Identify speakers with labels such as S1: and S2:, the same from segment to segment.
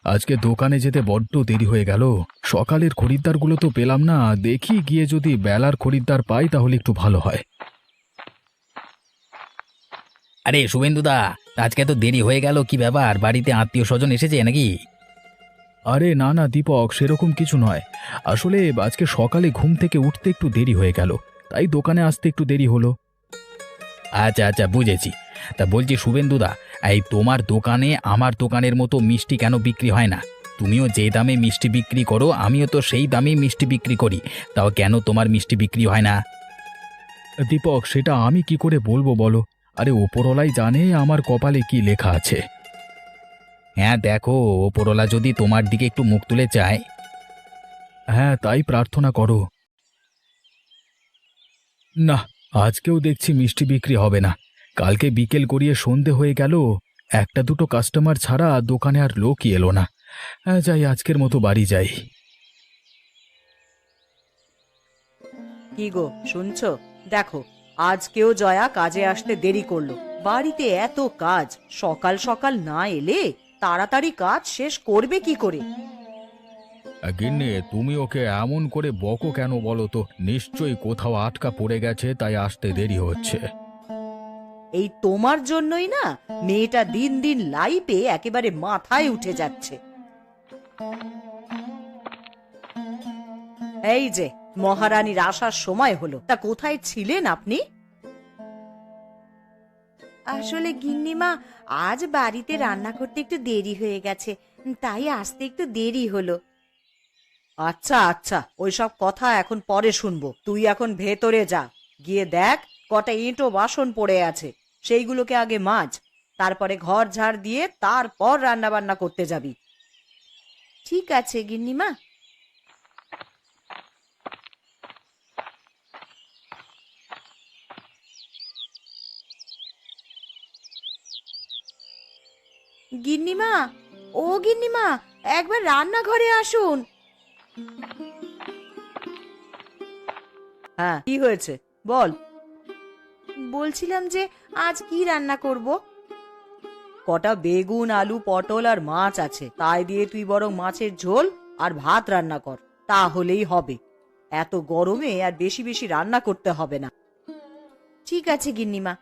S1: আজকে দোকানে যেতে বড্ড দেরি হয়ে গেল। সকালের খরিদ্দারগুলো তো পেলাম না। দেখি গিয়ে যদি বেলার খরিদ্দার পাই তাহলে একটু ভালো হয়।
S2: আরে শুভেন্দুদা, আজকে তো দেরি হয়ে গেল, কি ব্যাপার? বাড়িতে আত্মীয় স্বজন এসেছে নাকি?
S1: আরে না না দীপক, সেরকম কিছু নয়। আসলে আজকে সকালে ঘুম থেকে উঠতে একটু দেরি হয়ে গেল, তাই দোকানে আসতে একটু দেরি হলো।
S2: আচ্ছা আচ্ছা, বুঝেছি। তা বলছি শুভেন্দুদা, এই তোমার দোকানে আমার দোকানের মতো মিষ্টি কেন বিক্রি হয় না? তুমিও যে দামে মিষ্টি বিক্রি করো, আমিও তো সেই দামেই মিষ্টি বিক্রি করি। তাও কেন তোমার মিষ্টি বিক্রি হয় না?
S1: দীপক, সেটা আমি কি করে বলবো বলো? আরে ওপরওয়ালাই জানে আমার কপালে কি লেখা আছে।
S2: হ্যাঁ দেখো, ওপরওয়ালা যদি তোমার দিকে একটু মুখ তুলে চায়।
S1: হ্যাঁ, তাই প্রার্থনা করো। না, আজকেও দেখছি মিষ্টি বিক্রি হবে না। কালকে বিকেল গড়িয়ে সন্ধে হয়ে গেল, একটা দুটো কাস্টমার ছাড়া দোকানে আর লোকই এলো না। হ্যাঁ, যাই, আজকের মতো বাড়ি যাই।
S3: কি গো, শুনছো? দেখো, আজকেও জয়া কাজে আসতে দেরি করলো। বাড়িতে এত কাজ, সকাল সকাল না এলে তাড়াতাড়ি কাজ শেষ করবে কি করে?
S1: গিন্নি, তুমি ওকে এমন করে বকো কেন বলো তো? নিশ্চয়ই কোথাও আটকা পড়ে গেছে, তাই আসতে দেরি হচ্ছে।
S3: এই তোমার জন্যই না মেয়েটা দিন দিন লাইফে একেবারে মাথায় উঠে যাচ্ছে। এই যে মহারানীর আসার সময় হলো, তা কোথায় ছিলেন আপনি?
S4: আসলে গিন্নিমা, আজ বাড়িতে রান্না করতে একটু দেরি হয়ে গেছে, তাই আসতে একটু দেরি হলো।
S3: আচ্ছা আচ্ছা, ওইসব কথা এখন পরে শুনবো। তুই এখন ভেতরে যা, গিয়ে দেখ কটা ইঁটো বাসন পড়ে আছে, সেইগুলোকে আগে মাজ। তারপরে ঘর ঝাড় দিয়ে তারপর রান্না বান্না করতে যাবি।
S4: ঠিক আছে গিন্নিমা। গিন্নিমা, ও গিন্নিমা, একবার রান্নাঘরে আসুন।
S3: হ্যাঁ, কি হয়েছে বল।
S4: বলছিলাম যে আজ কি রান্না করব?
S3: কটা বেগুন, আলু, পটল আর মাছ আছে, তাই দিয়ে তুই বরং মাছের ঝোল আর ভাত রান্না কর, তাহলেই হবে। এত গরমে আর বেশি বেশি রান্না করতে হবে না।
S4: ঠিক আছে গিন্নিমা।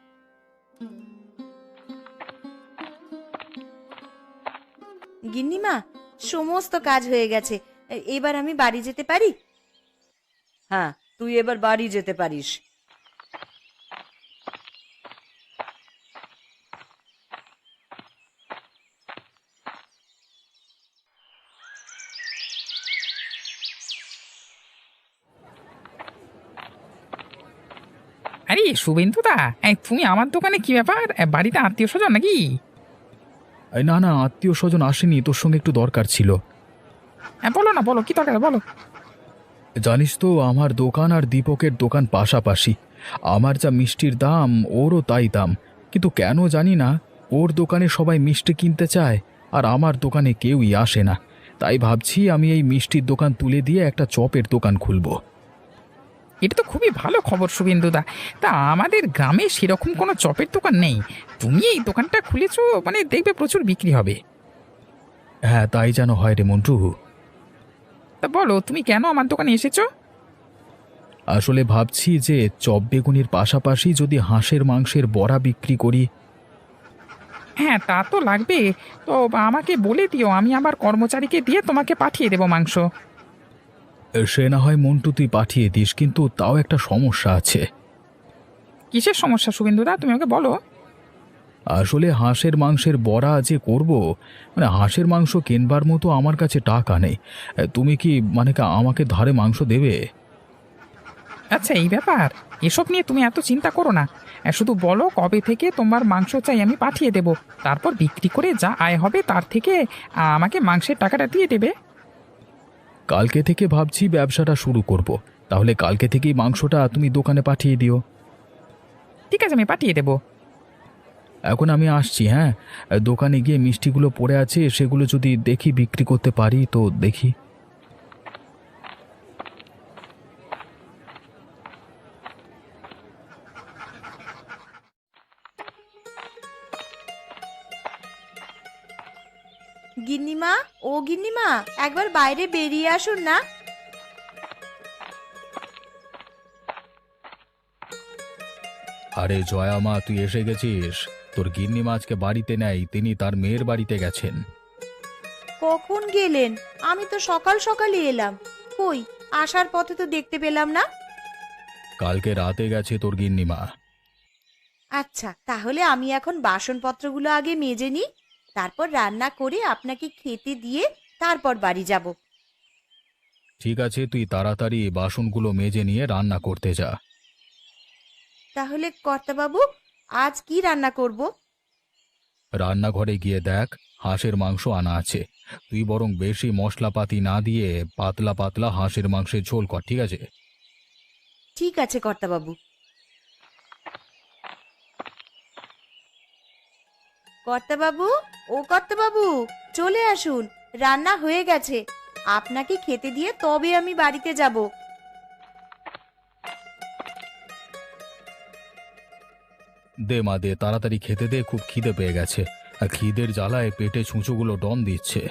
S4: গিন্নিমা, সমস্ত কাজ হয়ে গেছে, এবার আমি বাড়ি যেতে পারি?
S3: হ্যাঁ, তুই এবার বাড়ি যেতে পারিস।
S5: আরে শুভেন্দুদা, এই তুমি আমার দোকানে কি ব্যাপার? বাড়িতে আত্মীয় স্বজন নাকি?
S1: এই না না, আত্মীয় স্বজন আসেনি, তোর সঙ্গে একটু দরকার ছিল।
S5: হ্যাঁ বলো না, বলো কি দরকার, বলো।
S1: জানিস তো, আমার দোকান আর দীপকের দোকান পাশাপাশি। আমার যা মিষ্টির দাম, ওরও তাই দাম। কিন্তু কেন জানি না, ওর দোকানে সবাই মিষ্টি কিনতে চায় আর আমার দোকানে কেউই আসে না। তাই ভাবছি আমি এই মিষ্টির দোকান তুলে দিয়ে একটা চপের দোকান খুলব।
S5: এটা তো খুবই ভালো খবর শুভেন্দুদা। তা আমাদের গ্রামে সেরকম কোনো চপের দোকান নেই। তুমি এই দোকানটা খুলেছো মানে দেখবে প্রচুর বিক্রি হবে।
S1: হ্যাঁ, তাই যেন হয় রে মন্টু।
S5: তা বলো, তুমি কেন আমার দোকানে এসেছো?
S1: আসলে ভাবছি যে চপ বেগুনির পাশাপাশি যদি হাঁসের মাংসের বড়া বিক্রি করি।
S5: হ্যাঁ তা তো লাগবে। তো আমাকে বলে দিও, আমি আবার কর্মচারীকে দিয়ে তোমাকে পাঠিয়ে দেবো মাংস।
S1: সে না হয় মন্টু, তুই পাঠিয়ে দিস, কিন্তু তাও একটা সমস্যা আছে।
S5: কিসের সমস্যা শুভেন্দুদা, তুমি আমাকে বলো।
S1: আসলে হাঁসের মাংসের বড়া যে করব, মানে হাঁসের মাংস কেনবার মতো আমার কাছে টাকা নেই। তুমি কি মানে আমাকে ধারে মাংস দেবে?
S5: আচ্ছা এই ব্যাপার, এসব নিয়ে তুমি এত চিন্তা করো না। শুধু বলো কবে থেকে তোমার মাংস চাই, আমি পাঠিয়ে দেব। তারপর বিক্রি করে যা আয় হবে তার থেকে আমাকে মাংসের টাকাটা দিয়ে দেবে।
S1: কালকে থেকে ভাবছি ব্যবসাটা শুরু করব। তাহলে কালকে থেকেই মাংসটা তুমি দোকানে পাঠিয়ে দিও।
S5: ঠিক আছে, আমি পাঠিয়ে দেবো।
S1: এখন আমি আসছি, হ্যাঁ। দোকানে গিয়ে মিষ্টিগুলো পড়ে আছে, সেগুলো যদি দেখি বিক্রি করতে পারি তো দেখি।
S4: গিন্নিমা, ও গিন্নিমা, একবার বাইরে বেরিয়ে আসুন না।
S1: আরে জয়া মা, তুই এসে গেছিস। তোর গিন্নিমা আজকে বাড়িতে নেই, তিনি তার মেয়ের বাড়িতে গেছেন।
S4: কখন গেলেন? আমি তো সকাল সকালই এলাম। কই, আসার পথে তো দেখতে পেলাম না।
S1: কালকে রাতে গেছে তোর গিন্নিমা।
S4: আচ্ছা, তাহলে আমি এখন বাসনপত্রগুলো আগে মেজে নিই, তারপর রান্না করে আপনাকে খেতে দিয়ে তারপর বাড়ি যাব।
S1: ঠিক আছে, তুই তাড়াতাড়ি বাসনগুলো মেজে নিয়ে রান্না করতে যা।
S4: তাহলে কর্তাবাবু, আজ কি রান্না করব?
S1: রান্নাঘরে গিয়ে দেখ, হাঁসের মাংস আনা আছে। তুই বরং বেশি মশলাপাতি না দিয়ে পাতলা পাতলা হাঁসের মাংসের ঝোল কর, ঠিক আছে?
S4: ঠিক আছে কর্তাবাবু। কর্তাবাবু, ও কর্তাবাবু, চলে আসুন, রান্না হয়ে গেছে। আপনাকে খেতে দিয়ে তবে আমি বাড়িতে যাব।
S1: দে মা, দে তাড়াতাড়ি খেতে দে, খুব খিদে পেয়ে গেছে। আর খিদের জ্বালায় পেটে ছুঁচোগুলো ডন দিচ্ছে।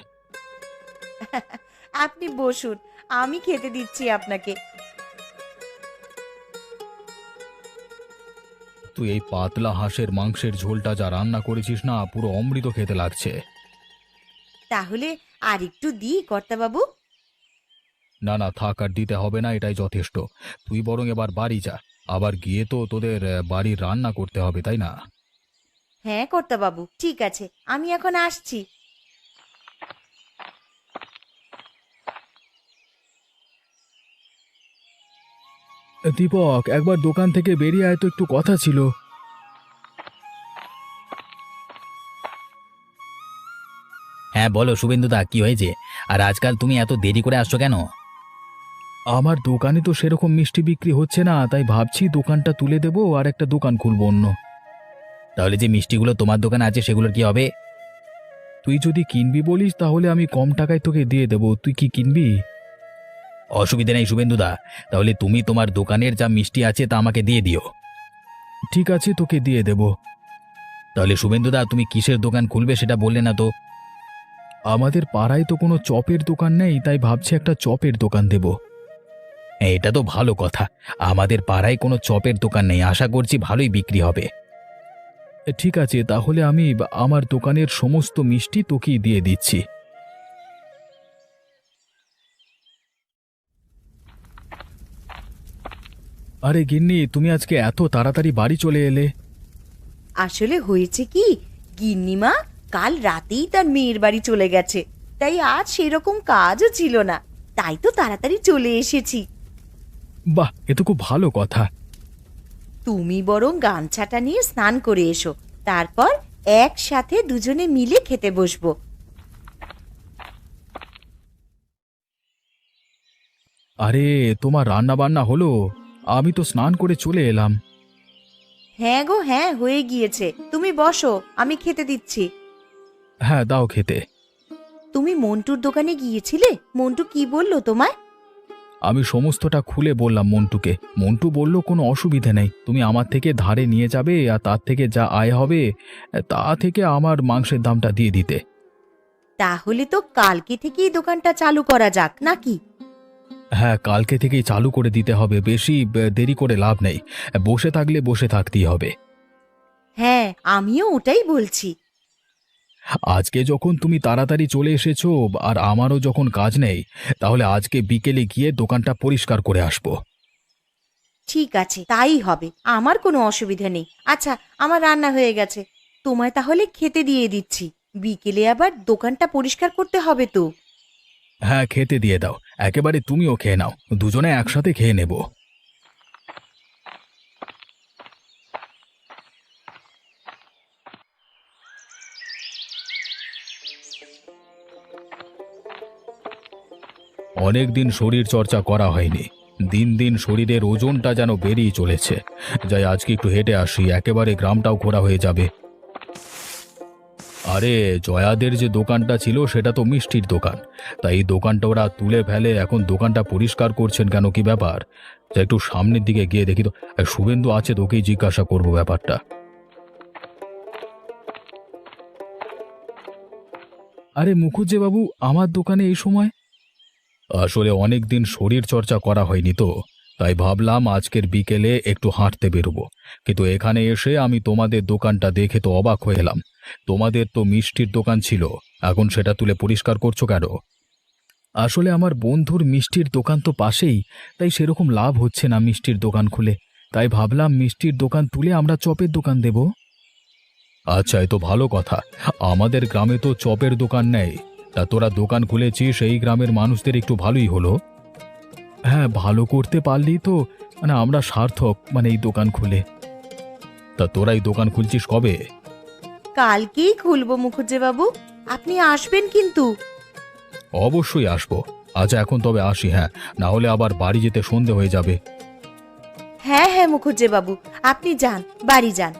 S4: আপনি বসুন, আমি খেতে দিচ্ছি আপনাকে।
S1: তুই এই পাতলা হাঁসের মাংসের ঝোলটা যা রান্না করেছিস না, পুরো অমৃত খেতে লাগছে।
S4: তাহলে আর একটু দিই কর্তাবাবু?
S1: না না, থাক, আর দিতে হবে না, এটাই যথেষ্ট। তুই বরং এবার বাড়ি যা। আবার গিয়ে তো তোদের বাড়ির রান্না করতে হবে, তাই না?
S4: হ্যাঁ কর্তাবাবু, ঠিক আছে, আমি এখন আসছি।
S1: দীপক, একবার দোকান থেকে বেরিয়ে আয় তো, একটু কথা ছিল।
S2: হ্যাঁ বলো শুভেন্দুদা, কি হয়েছে? আর আজকাল তুমি এত দেরি করে আসছো কেন?
S1: আমার দোকানে তো সেরকম মিষ্টি বিক্রি হচ্ছে না, তাই ভাবছি দোকানটা তুলে দেবো আর একটা দোকান খুলবো অন্য।
S2: তাহলে যে মিষ্টিগুলো তোমার দোকানে আছে সেগুলোর কি হবে?
S1: তুই যদি কিনবি বলিস তাহলে আমি কম টাকায় তোকে দিয়ে দেবো। তুই কি কিনবি?
S2: অসুবিধা নেই শুভেন্দুদা, তাহলে তুমি তোমার দোকানের যা মিষ্টি আছে তা আমাকে দিয়ে দিও।
S1: ঠিক আছে, তোকে দিয়ে দেবো।
S2: তাহলে শুভেন্দুদা, তুমি কিসের দোকান খুলবে সেটা বললে না তো?
S1: আমাদের পাড়ায় তো কোনো চপের দোকান নেই, তাই ভাবছি একটা চপের দোকান দেব।
S2: হ্যাঁ, এটা তো ভালো কথা। আমাদের পাড়ায় কোনো চপের দোকান নেই, আশা করছি ভালোই বিক্রি হবে।
S1: ঠিক আছে, তাহলে আমি আমার দোকানের সমস্ত মিষ্টি তোকেই দিয়ে দিচ্ছি। আরে গিন্নি, তুমি আজকে এত তাড়াতাড়ি বাড়ি চলে এলে?
S4: আসলে হয়েছে কি, গিন্নিমা কাল রাতেই তার মেয়ের বাড়ি চলে গেছে, তাই আজ সেরকম কাজও ছিল না, তাই তো তাড়াতাড়ি চলে এসেছি।
S1: বাহ, এ তো খুব ভালো কথা।
S4: তুমি বরং গামছাটা নিয়ে স্নান করে এসো, তারপর একসাথে দুজনে মিলে খেতে বসবো।
S1: আরে, তোমার রান্না বান্না হলো? আমি তো স্নান করে চলে এলাম।
S4: হ্যাঁ গো, হ্যাঁ হয়ে গিয়েছে, তুমি বসো, আমি খেতে দিচ্ছি।
S1: হ্যাঁ, দাও খেতে।
S4: তুমি মন্টুর দোকানে গিয়েছিলে? মন্টু কি বললো তোমায়?
S1: আমি সমস্তটা খুলে বললাম মন্টুকে। মন্টু বলল কোনো অসুবিধে নেই, তুমি আমার থেকে ধারে নিয়ে যাবে আর তার থেকে যা আয় হবে তা থেকে আমার মাংসের দামটা দিয়ে দিতে।
S4: তাহলে তো কালকে থেকেই দোকানটা চালু করা যাক নাকি?
S1: হ্যাঁ, কালকে থেকেই চালু করে দিতে হবে, বেশি দেরি করে লাভ নেই। বসে থাকলে বসে থাকতেই হবে।
S4: হ্যাঁ, আমিও ওটাই বলছি।
S1: আজকে যখন তুমি তাড়াতাড়ি চলে এসেছো আর আমারও যখন কাজ নেই, তাহলে আজকে বিকেলে গিয়ে দোকানটা পরিষ্কার করে আসবো।
S4: ঠিক আছে, তাই হবে, আমার কোনো অসুবিধা নেই। আচ্ছা, আমার রান্না হয়ে গেছে, তোমায় তাহলে খেতে দিয়ে দিচ্ছি। বিকেলে আবার দোকানটা পরিষ্কার করতে হবে তো।
S1: হ্যাঁ, খেতে দিয়ে দাও, একেবারে তুমিও খেয়ে নাও, দুজনে একসাথে খেয়ে নেব। অনেক দিন শরীর চর্চা করা হয়নি, দিন দিন শরীরের ওজনটা যেন বেরিয়ে চলেছে। যাই, আজকে একটু হেঁটে আসি, একেবারে গ্রামটাও ঘোরা হয়ে যাবে। আরে, জয়াদের যে দোকানটা ছিল সেটা তো মিষ্টির দোকান, তাই এই দোকানটা ওরা তুলে ফেলে এখন দোকানটা পরিষ্কার করছেন কেন, কি ব্যাপার? যা, একটু সামনের দিকে গিয়ে দেখি তো। শুভেন্দু আছে, তোকেই জিজ্ঞাসা করবো ব্যাপারটা। আরে মুখুজ্জেবাবু, আমার দোকানে এই সময়? আসলে অনেক দিন শরীর চর্চা করা হয়নি তো, তাই ভাবলাম আজকের বিকেলে একটু হাঁটতে বেরোবো। কিন্তু এখানে এসে আমি তোমাদের দোকানটা দেখে তো অবাক হয়ে এলাম। তোমাদের তো মিষ্টির দোকান ছিল, এখন সেটা তুলে পরিষ্কার করছো কেন? আসলে আমার বন্ধুর মিষ্টির দোকান তো পাশেই, তাই সেরকম লাভ হচ্ছে না মিষ্টির দোকান খুলে। তাই ভাবলাম মিষ্টির দোকান তুলে আমরা চপের দোকান দেব। আচ্ছা, এ তো ভালো কথা। আমাদের গ্রামে তো চপের দোকান নেই। তা তোরা দোকান খুলেছিস, এই গ্রামের মানুষদের একটু ভালোই হলো। হ্যাঁ, ভালো করতে পারলেই তো আমরা সার্থক, এই দোকান খুলে। তা তোরা এই দোকান খুলছিস কবে?
S4: কালকেই খুলবো মুখুজ্জেবাবু, আপনি আসবেন কিন্তু।
S1: অবশ্যই আসবো। আচ্ছা, এখন তবে আসি, হ্যাঁ, না হলে আবার বাড়ি যেতে সন্ধে হয়ে যাবে।
S4: হ্যাঁ হ্যাঁ মুখুজ্জেবাবু, আপনি যান, বাড়ি যান।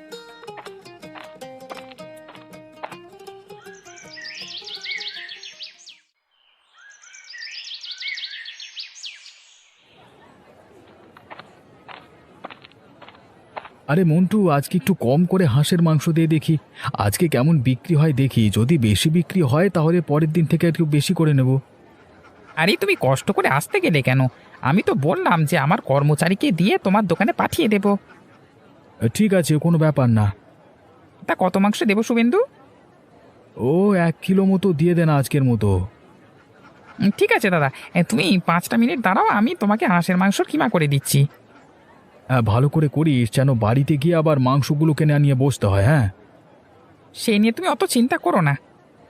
S1: আরে মন্টু, আজকে একটু কম করে হাঁসের মাংস দিয়ে দেখি। আজকে কেমন বিক্রি হয় দেখি, যদি বেশি বিক্রি হয় তাহলে পরের দিন থেকে একটু বেশি করে নেব।
S5: আরে তুমি কষ্ট করে আসতে গেলে কেন? আমি তো বললাম যে আমার কর্মচারীকে দিয়ে তোমার দোকানে পাঠিয়ে দেব।
S1: ঠিক আছে, কোনো ব্যাপার না।
S5: তা কত মাংস দেবো শুভেন্দু?
S1: ও 1 কিলো মতো দিয়ে দেন আজকের মতো।
S5: ঠিক আছে দাদা, তুমি 5টা মিনিট দাঁড়াও, আমি তোমাকে হাঁসের মাংস কিমা করে দিচ্ছি।
S1: হ্যাঁ, ভালো করে করিস, যেন বাড়িতে গিয়ে আবার মাংসগুলো কিনে নিয়ে বসতে হয়। হ্যাঁ,
S5: সেই নিয়ে তুমি অত চিন্তা করো না।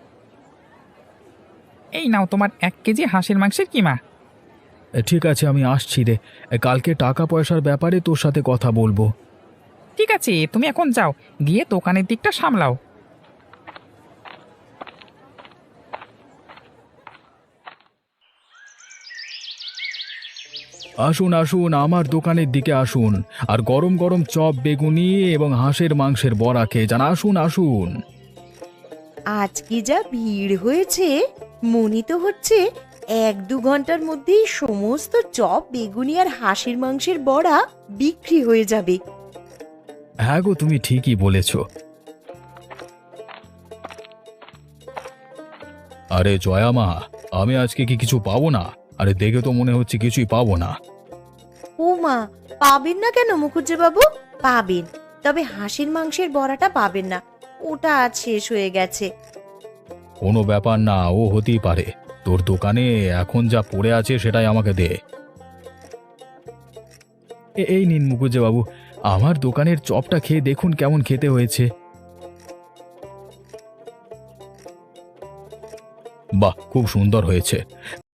S5: এই নাও তোমার 1 কেজি হাঁসের মাংসের কিমা।
S1: ঠিক আছে, আমি আসছি রে। কালকে টাকা পয়সার ব্যাপারে তোর সাথে কথা বলবো।
S5: ঠিক আছে, তুমি এখন যাও, গিয়ে দোকানের দিকটা সামলাও।
S1: আসুন আসুন, আমার দোকানের দিকে আসুন, আর গরম গরম চপ, বেগুনি এবং হাঁসের মাংসের বড়া খেয়ে যান। আসুন আসুন।
S4: আজ কি যা ভিড় হয়েছে, মনে তো হচ্ছে 1-2 ঘন্টার মধ্যেই সমস্ত চপ, বেগুনি আর হাঁসের মাংসের বড়া বিক্রি হয়ে যাবে।
S1: হ্যাঁ গো, তুমি ঠিকই বলেছ। আরে জয়া মা, আমি আজকে কি কিছু পাবো না? আরে দেখে তো মনে হচ্ছে কিছুই পাবো না।
S4: ও মা, পাবেন না কেন মুখুজ্জেবাবু? পাবেন, তবে হাঁসের মাংসের বড়াটা পাবেন না, ওটা আজ শেষ হয়ে গেছে।
S1: কোনো ব্যাপার না, ও হতেই পারে। তোর দোকানে এখন যা পড়ে আছে সেটাই আমাকে দে। এই নিন মুকুজ্জে বাবু, আমার দোকানের চপটা খেয়ে দেখুন কেমন খেতে হয়েছে। বাহ, খুব সুন্দর হয়েছে।